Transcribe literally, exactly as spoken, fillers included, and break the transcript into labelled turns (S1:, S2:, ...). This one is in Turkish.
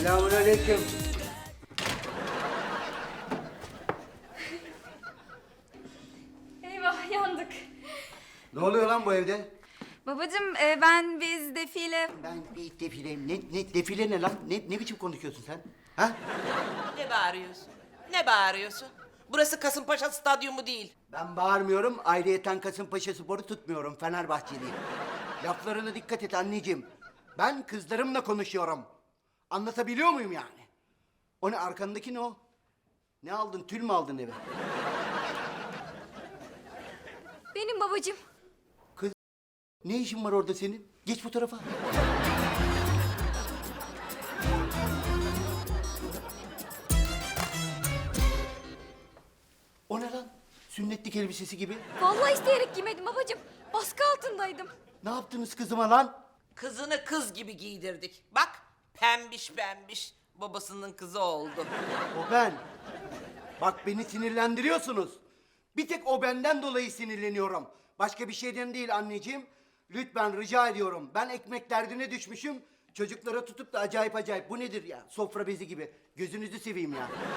S1: Selamünaleyküm.
S2: Eyvah yandık.
S1: Ne oluyor lan bu evde?
S2: Babacığım e, ben biz defile...
S1: Ben bir defileyim. Ne, ne defile ne lan? Ne, ne biçim konuşuyorsun sen? Ha?
S3: Ne bağırıyorsun? Ne bağırıyorsun? Burası Kasımpaşa Stadyumu değil.
S1: Ben bağırmıyorum. Ayrıyeten Kasımpaşa Spor'u tutmuyorum. Fenerbahçeliyim. Laflarına dikkat et anneciğim. Ben kızlarımla konuşuyorum. Anlatabiliyor muyum yani? O ne arkandaki ne o? Ne aldın? Tül mü aldın eve?
S2: Benim babacığım.
S1: Kız ne işin var orada senin? Geç bu tarafa. O ne lan? Sünnetlik elbisesi gibi.
S2: Vallahi isteyerek giymedim babacığım. Baskı altındaydım.
S1: Ne yaptınız kızıma lan?
S3: Kızını kız gibi giydirdik. Bak pembiş pembiş babasının kızı oldu.
S1: O ben. Bak beni sinirlendiriyorsunuz. Bir tek o benden dolayı sinirleniyorum. Başka bir şeyden değil anneciğim. Lütfen rica ediyorum. Ben ekmek derdine düşmüşüm. Çocuklara tutup da acayip acayip. Bu nedir ya? Sofra bezi gibi. Gözünüzü seveyim ya.